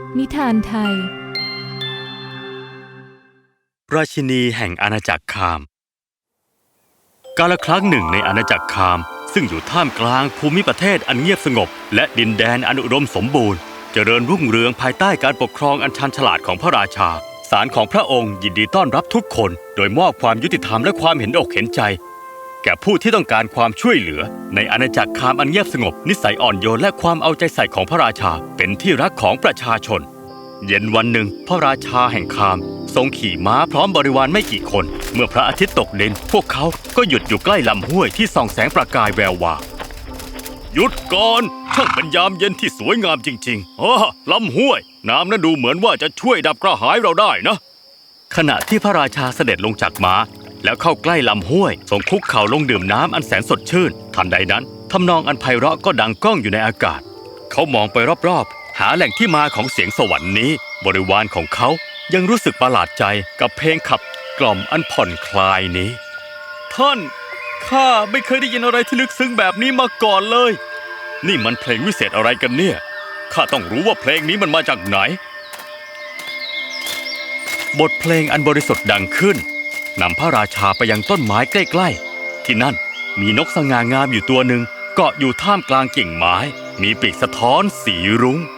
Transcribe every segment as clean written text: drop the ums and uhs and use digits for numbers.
นิทานไทยราชินีแห่งอาณาจักรคามกาลครั้งหนึ่งในอาณาจักรคามซึ่งอยู่ท่ามกลางภูมิประเทศอันเงียบสงบและดินแดนอันอุดมสมบูรณ์เจริญรุ่งเรืองภายใต้การปกครองอันชาญฉลาดของพระราชาศาลของพระองค์ยินดีต้อนรับทุกคนโดยมอบความยุติธรรมและความเห็นอกเห็นใจแก่ผู้ที่ต้องการความช่วยเหลือในอาณาจักรคามอันเงียบสงบนิสัยอ่อนโยนและความเอาใจใส่ของพระราชาเป็นที่รักของประชาชนเย็นวันหนึ่งพระราชาแห่งคามทรงขี่ม้าพร้อมบริวารไม่กี่คนเมื่อพระอาทิตย์ตกดินพวกเขาก็หยุดอยู่ใกล้ลำห้วยที่ส่องแสงประกายแวววาวหยุดก่อนช่างเป็นยามเย็นที่สวยงามจริงๆลำห้วยน้ำนั้นดูเหมือนว่าจะช่วยดับกระหายเราได้นะขณะที่พระราชาเสด็จลงจากม้าแล้วเข้าใกล้ลำห้วยทรงคุกเข่าลงดื่มน้ำอันแสนสดชื่นทันใดนั้นทำนองอันไพเราะก็ดังก้องอยู่ในอากาศเขามองไปรอบๆหาแหล่งที่มาของเสียงสวรรค์นี้บริวารของเขายังรู้สึกประหลาดใจกับเพลงขับกล่อมอันผ่อนคลายนี้ท่านข้าไม่เคยได้ยินอะไรที่ลึกซึ้งแบบนี้มาก่อนเลยนี่มันเพลงวิเศษอะไรกันเนี่ยข้าต้องรู้ว่าเพลงนี้มันมาจากไหนบทเพลงอันบริสุทธิ์ดังขึ้นนำพระราชาไปยังต้นไม้ใกล้ๆที่นั่นมีนกสง่างามอยู่ตัวหนึ่งเกาะอยู่ท่ามกลางกิ่งไม้มีปีกสะท้อนสีรุ้ง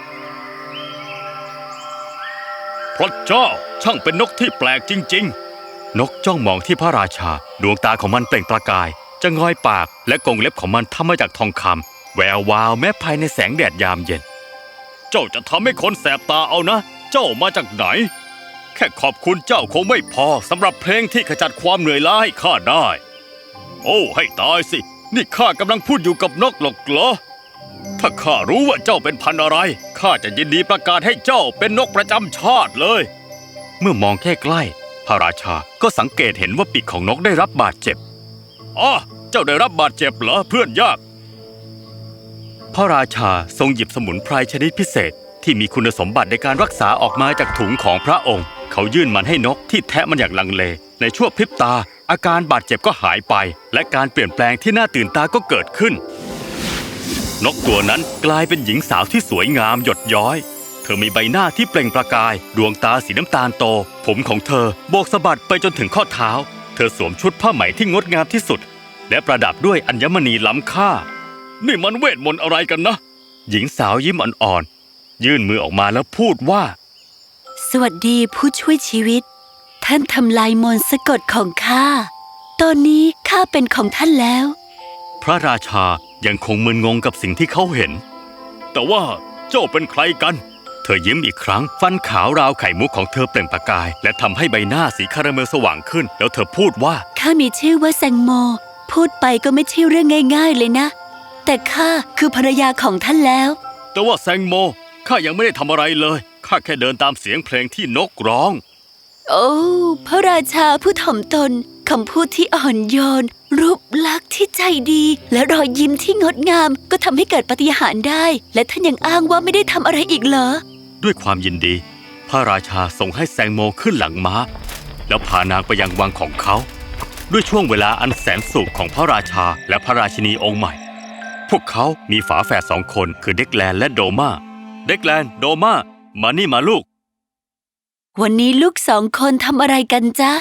พระเจ้าช่างเป็นนกที่แปลกจริงๆนกจ้องมองที่พระราชาดวงตาของมันเปล่งประกายจะงอยปากและกรงเล็บของมันทำมาจากทองคำแวววาวแม้ภายในแสงแดดยามเย็นเจ้าจะทำให้คนแสบตาเอานะเจ้ามาจากไหนแค่ขอบคุณเจ้าคงไม่พอสำหรับเพลงที่ขจัดความเหนื่อยล้าให้ข้าได้โอ้ให้ตายสินี่ข้ากำลังพูดอยู่กับนกหรอกเหรอถ้าข้ารู้ว่าเจ้าเป็นพันธุ์อะไรข้าจะยินดีประกาศให้เจ้าเป็นนกประจำชาติเลยเมื่อมองแค่ใกล้พระราชาก็สังเกตเห็นว่าปีกของนกได้รับบาดเจ็บเจ้าได้รับบาดเจ็บเหรอเพื่อนยากพระราชาทรงหยิบสมุนไพรชนิดพิเศษที่มีคุณสมบัติในการรักษาออกมาจากถุงของพระองค์เขายื่นมันให้นกที่แทะมันอย่างลังเลในชั่วพริบตาอาการบาดเจ็บก็หายไปและการเปลี่ยนแปลงที่น่าตื่นตาก็เกิดขึ้นนกตัวนั้นกลายเป็นหญิงสาวที่สวยงามหยดย้อยเธอมีใบหน้าที่เปล่งประกายดวงตาสีน้ำตาลโตผมของเธอโบกสะบัดไปจนถึงข้อเท้าเธอสวมชุดผ้าไหมที่งดงามที่สุดและประดับด้วยอัญมณีล้ำค่านี่มันเวทมนต์อะไรกันนะหญิงสาวยิ้มอ่อนๆยื่นมือออกมาแล้วพูดว่าสวัสดีผู้ช่วยชีวิตท่านทำลายมนต์สะกดของข้าตอนนี้ข้าเป็นของท่านแล้วพระราชายังคงมึนงงกับสิ่งที่เขาเห็นแต่ว่าเจ้าเป็นใครกันเธอยิ้มอีกครั้งฟันขาวราวไข่มุกของเธอเปล่งประกายและทำให้ใบหน้าสีคาราเมลสว่างขึ้นแล้วเธอพูดว่าข้ามีชื่อว่าแซงโมพูดไปก็ไม่ใช่เรื่องง่ายๆเลยนะแต่ข้าคือภรรยาของท่านแล้วแต่ว่าแซงโมข้ายังไม่ได้ทำอะไรเลยข้าแค่เดินตามเสียงเพลงที่นกร้องโอ้พระราชาผู้ถ่อมตนคำพูดที่อ่อนโยนรูปลักษณ์ที่ใจดีและรอยยิ้มที่งดงามก็ทำให้เกิดปาฏิหาริย์ได้และท่านยังอ้างว่าไม่ได้ทำอะไรอีกเหรอด้วยความยินดีพระราชาส่งให้แซงโมขึ้นหลังม้าแล้วพานางไปยังวังของเขาด้วยช่วงเวลาอันแสนสุขของพระราชาและพระราชินีองค์ใหม่พวกเขามีฝาแฝด2 คนคือเด็กแลนและโดมาเด็กแลนโดมามานี่มาลูกวันนี้ลูก2 คนทำอะไรกันจ๊ะ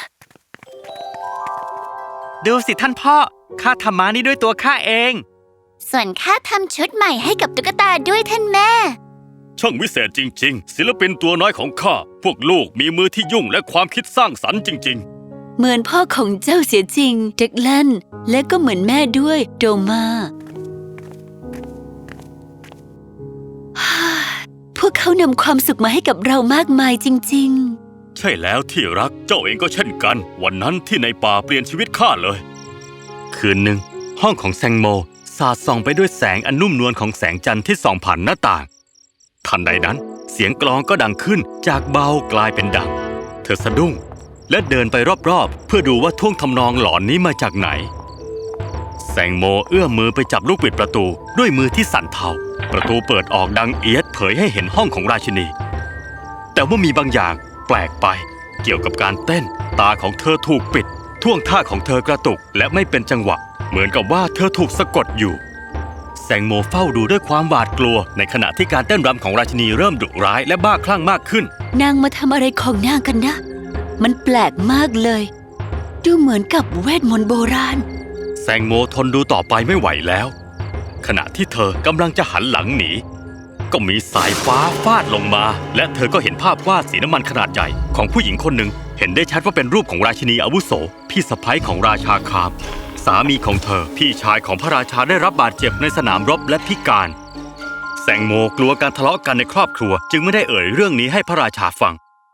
ดูสิท่านพ่อข้าทำม้านี่ด้วยตัวข้าเองส่วนข้าทำชุดใหม่ให้กับตุ๊กตาด้วยท่านแม่ช่างวิเศษจริงๆศิลปินตัวน้อยของข้าพวกลูกมีมือที่ยุ่งและความคิดสร้างสรรค์จริงๆเหมือนพ่อของเจ้าเสียจริงเด็กแลนและก็เหมือนแม่ด้วยโดมาพวกเขานำความสุขมาให้กับเรามากมายจริงๆใช่แล้วที่รักเจ้าเองก็เช่นกันวันนั้นที่ในป่าเปลี่ยนชีวิตข้าเลยคืนหนึ่งห้องของแซงโมสาดส่องไปด้วยแสงอันนุ่มนวลของแสงจันทร์ที่ส่องผ่านหน้าต่างทันใดนั้นเสียงกลองก็ดังขึ้นจากเบากลายเป็นดังเธอสะดุ้งและเดินไปรอบๆเพื่อดูว่าท่วงทำนองหลอนนี้มาจากไหนแซงโมเอื้อมมือไปจับลูกบิดประตูด้วยมือที่สั่นเทาประตูเปิดออกดังเอี๊ยดเผยให้เห็นห้องของราชินีแต่ว่ามีบางอย่างแปลกไปเกี่ยวกับการเต้นตาของเธอถูกปิดท่วงท่าของเธอกระตุกและไม่เป็นจังหวะเหมือนกับว่าเธอถูกสะกดอยู่แซแซงโมเฝ้าดูด้วยความหวาดกลัวในขณะที่การเต้นรำของราชินีเริ่มดุร้ายและบ้าคลั่งมากขึ้นนางมาทำอะไรของนางกันนะ มันแปลกมากเลย ดูเหมือนกับเวทมนต์โบราณแซงโมทนดูต่อไปไม่ไหวแล้ว ขณะที่เธอกำลังจะหันหลังหนีก็มีสายฟ้าฟาดลงมา และเธอก็เห็นภาพวาดสีน้ำมันขนาดใหญ่ของผู้หญิงคนหนึ่งเห็นได้ชัดว่าเป็นรูปของราชินีอาวุโสพี่สะใภ้ของราชาคามสามีของเธอพี่ชายของพระราชาได้รับบาดเจ็บในสนามรบและพิการแซงโมกลัวการทะเลาะกันในครอบครัวจึงไม่ได้เอ่ยเรื่องนี้ให้พระราชาฟัง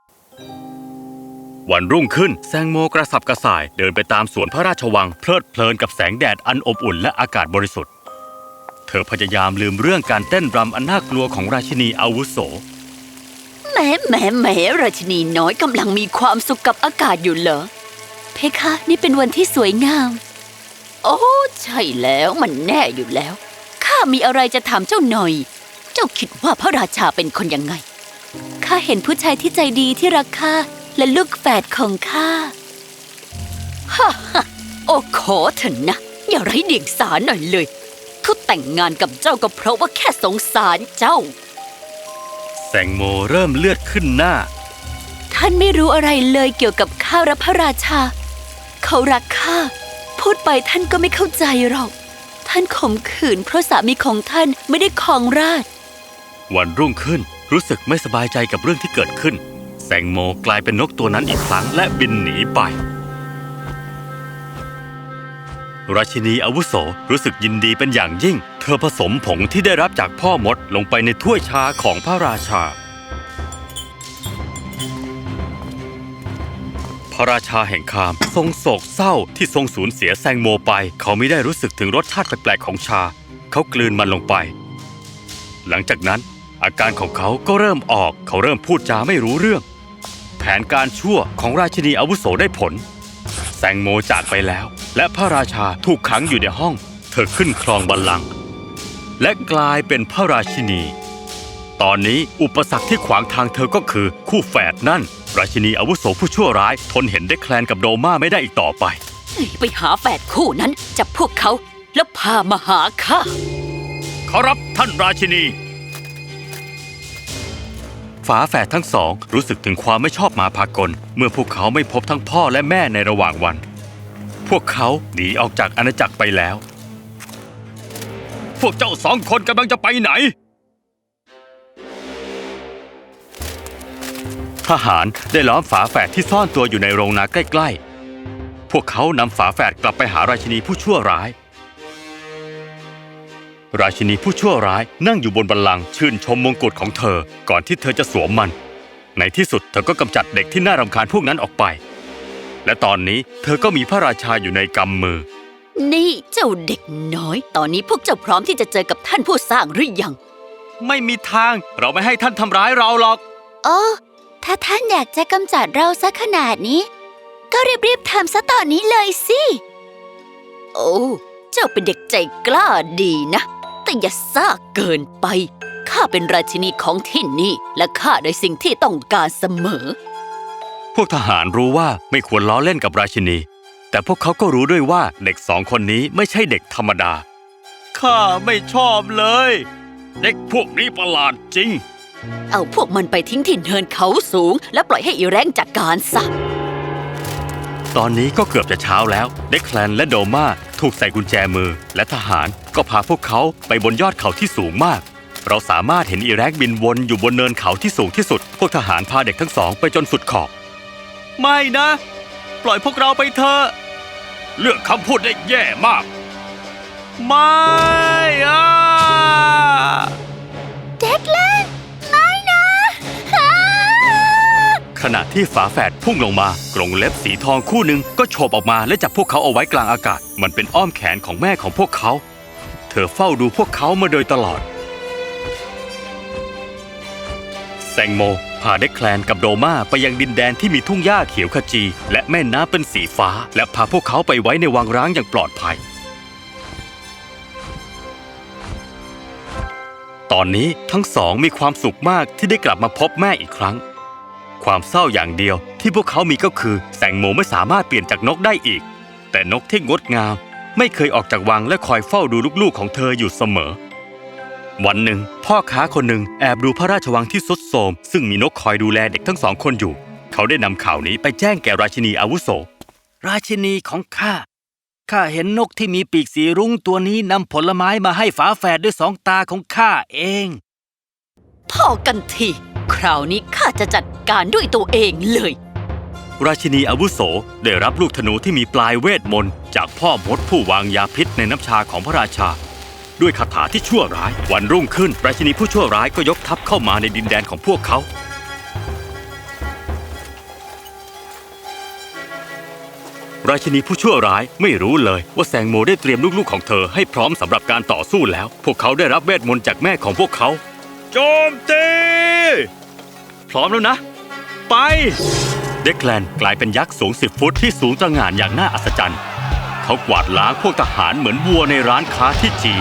วันรุ่งขึ้นแซงโมกระสับกระส่ายเดินไปตามสวนพระราชวังเพลิดเพลินกับแสงแดดอันอบอุ่นและอากาศบริสุทธิ์เธอพยายามลืมเรื่องการเต้นรำอันน่ากลัวของราชินีอาวุโสแหมราชินีน้อยกำลังมีความสุขกับอากาศอยู่เหรอเพคะนี่เป็นวันที่สวยงามโอ้ใช่แล้วมันแน่อยู่แล้วข้ามีอะไรจะถามเจ้าหน่อยเจ้าคิดว่าพระราชาเป็นคนยังไงข้าเห็นผู้ชายที่ใจดีที่รักข้าและลูกแฝดของข้าฮ่าโอ้ขอเถอะนะอย่าไร้เดียงสาหน่อยเลยเขาแต่งงานกับเจ้าก็เพราะว่าแค่สงสารเจ้าแซงโมเริ่มเลือดขึ้นหน้าท่านไม่รู้อะไรเลยเกี่ยวกับข้าและพระราชาเขารักข้าพูดไปท่านก็ไม่เข้าใจหรอกท่านข่มขืนเพราะสามีของท่านไม่ได้ครองราชย์วันรุ่งขึ้นรู้สึกไม่สบายใจกับเรื่องที่เกิดขึ้นแซงโมกลายเป็นนกตัวนั้นอีกครั้งและบินหนีไปราชินีอาวุโสรู้สึกยินดีเป็นอย่างยิ่งเธอผสมผงที่ได้รับจากพ่อมดลงไปในถ้วยชาของพระราชาพระราชาแห่งคามทรงโศกเศร้าที่ทรงสูญเสียแซงโมไปเขาไม่ได้รู้สึกถึงรสชาติแปลกๆของชาเขากลืนมันลงไปหลังจากนั้นอาการของเขาก็เริ่มออกเขาเริ่มพูดจาไม่รู้เรื่องแผนการชั่วของราชินีอาวุโสได้ผลแซงโมจากไปแล้วและพระราชาถูกขังอยู่ในห้องเธอขึ้นครองบัลลังก์และกลายเป็นพระราชินีตอนนี้อุปสรรคที่ขวางทางเธอก็คือคู่แฝดนั่นราชินีอาวุโสผู้ชั่วร้ายทนเห็นได้แคลนกับโดม่าไม่ได้อีกต่อไปไปหาแฝดคู่นั้นจับพวกเขาแล้วพามาหาข้าขอรับท่านราชินีฝาแฝดทั้งสองรู้สึกถึงความไม่ชอบมาพากลเมื่อพวกเขาไม่พบทั้งพ่อและแม่ในระหว่างวันพวกเขาหนีออกจากอาณาจักรไปแล้วพวกเจ้าสองคนกำลังจะไปไหนทหารได้ล้อมฝาแฝดที่ซ่อนตัวอยู่ในโรงนาใกล้ๆพวกเขานำฝาแฝดกลับไปหาราชินีผู้ชั่วร้ายราชินีผู้ชั่วร้ายนั่งอยู่บนบัลลังก์ชื่นชมมงกุฎของเธอก่อนที่เธอจะสวมมันในที่สุดเธอก็กำจัดเด็กที่น่ารำคาญพวกนั้นออกไปและตอนนี้เธอก็มีพระราชาอยู่ในกำมือนี่เจ้าเด็กน้อยตอนนี้พวกเจ้าพร้อมที่จะเจอกับท่านผู้สร้างหรือยังไม่มีทางเราไม่ให้ท่านทำร้ายเราหรอกโอ้ถ้าท่านอยากจะกำจัดเราซะขนาดนี้ก็รีบๆทำซะตอนนี้เลยสิโอ้เจ้าเป็นเด็กใจกล้าดีนะแต่อย่าซ่าเกินไปข้าเป็นราชินีของที่นี่และข้าได้สิ่งที่ต้องการเสมอพวกทหารรู้ว่าไม่ควรล้อเล่นกับราชินีแต่พวกเขาก็รู้ด้วยว่าเด็กสองคนนี้ไม่ใช่เด็กธรรมดาข้าไม่ชอบเลยเด็กพวกนี้ประหลาดจริงเอาพวกมันไปทิ้งที่เนินเขาสูงและปล่อยให้อีแรงจัดการซะตอนนี้ก็เกือบจะเช้าแล้วเด็กแคลนและโดม่าถูกใส่กุญแจมือและทหารก็พาพวกเขาไปบนยอดเขาที่สูงมากเราสามารถเห็นอีแรงบินวนอยู่บนเนินเขาที่สูงที่สุดพวกทหารพาเด็กทั้งสองไปจนสุดขอบไม่นะปล่อยพวกเราไปเถอะเลือกคำพูดได้แย่มากไม่เด็กเล่นไม่นะขณะที่ฝาแฝดพุ่งลงมากรงเล็บสีทองคู่หนึ่งก็โฉบออกมาและจับพวกเขาเอาไว้กลางอากาศมันเป็นอ้อมแขนของแม่ของพวกเขาเธอเฝ้าดูพวกเขามาโดยตลอดแซงโมพาเด็กแคลนกับโดม่าไปยังดินแดนที่มีทุ่งหญ้าเขียวขจีและแม่น้ำเป็นสีฟ้าและพาพวกเขาไปไว้ในวังร้างอย่างปลอดภัยตอนนี้ทั้งสองมีความสุขมากที่ได้กลับมาพบแม่อีกครั้งความเศร้าอย่างเดียวที่พวกเขามีก็คือแซงโมไม่สามารถเปลี่ยนจากนกได้อีกแต่นกที่งดงามไม่เคยออกจากวังและคอยเฝ้าดูลูกๆของเธออยู่เสมอวันหนึ่งพ่อค้าคนหนึ่งแอบดูพระราชวังที่ทรุดโทรมซึ่งมีนกคอยดูแลเด็กทั้ง2 คนอยู่เขาได้นำข่าวนี้ไปแจ้งแก่ราชินีอาวุโสราชินีของข้าเห็นนกที่มีปีกสีรุ้งตัวนี้นำผลไม้มาให้ฝาแฝดด้วย2 ตาของข้าเองพอกันทีคราวนี้ข้าจะจัดการด้วยตัวเองเลยราชินีอาวุโสได้รับลูกธนูที่มีปลายเวทมนต์จากพ่อมดผู้วางยาพิษในน้ำชาของพระราชาด้วยคาถาที่ชั่วร้ายวันรุ่งขึ้นราชินีผู้ชั่วร้ายก็ยกทัพเข้ามาในดินแดนของพวกเขาราชินีผู้ชั่วร้ายไม่รู้เลยว่าแซงโมได้เตรียมลูกๆของเธอให้พร้อมสำหรับการต่อสู้แล้วพวกเขาได้รับเวทมนต์จากแม่ของพวกเขาโจมตีพร้อมแล้วนะไปเดคแลนกลายเป็นยักษ์สูง10 ฟุตที่สูงตระหง่านอย่างน่าอัศจรรย์เขากวาดล้างพวกทหารเหมือนวัวในร้านค้าที่จีน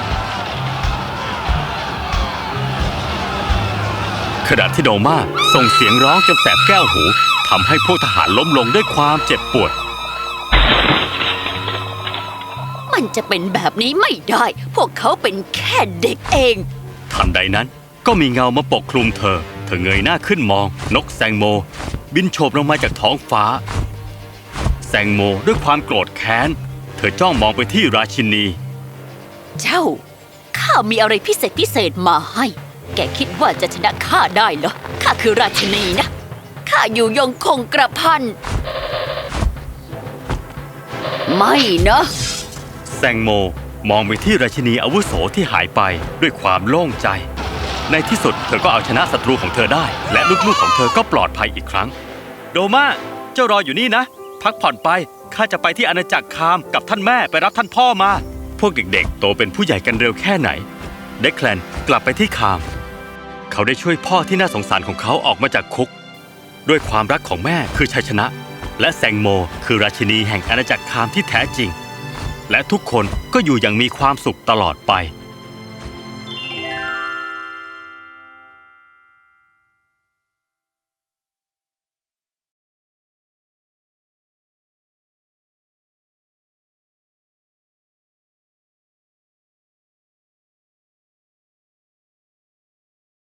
ขณะที่โดมาส่งเสียงร้องจนแสบแก้วหูทำให้พวกทหารล้มลงด้วยความเจ็บปวดมันจะเป็นแบบนี้ไม่ได้พวกเขาเป็นแค่เด็กเองทันใดนั้นก็มีเงามาปกคลุมเธอเงยหน้าขึ้นมองนกแซงโมบินโฉบลงมาจากท้องฟ้าแซงโมด้วยความโกรธแค้นเธอจ้องมองไปที่ราชินีเจ้าข้ามีอะไรพิเศษมาให้แกคิดว่าจะชนะข้าได้เหรอข้าคือราชินีนะข้าอยู่ยงคงกระพันไม่นะแซงโมมองไปที่ราชินีอาวุโสที่หายไปด้วยความโล่งใจในที่สุดเธอก็เอาชนะศัตรูของเธอได้และลูกๆของเธอก็ปลอดภัยอีกครั้งโดมาเจ้ารออยู่นี่นะพักผ่อนไปข้าจะไปที่อาณาจักรคามกับท่านแม่ไปรับท่านพ่อมาพวกเด็กๆโตเป็นผู้ใหญ่กันเร็วแค่ไหนเดคแลนกลับไปที่คามเขาได้ช่วยพ่อที่น่าสงสารของเขาออกมาจากคุกด้วยความรักของแม่คือชัยชนะและแซงโมคือราชินีแห่งอาณาจักรคามที่แท้จริงและทุกคนก็อยู่อย่างมีความสุขตลอดไป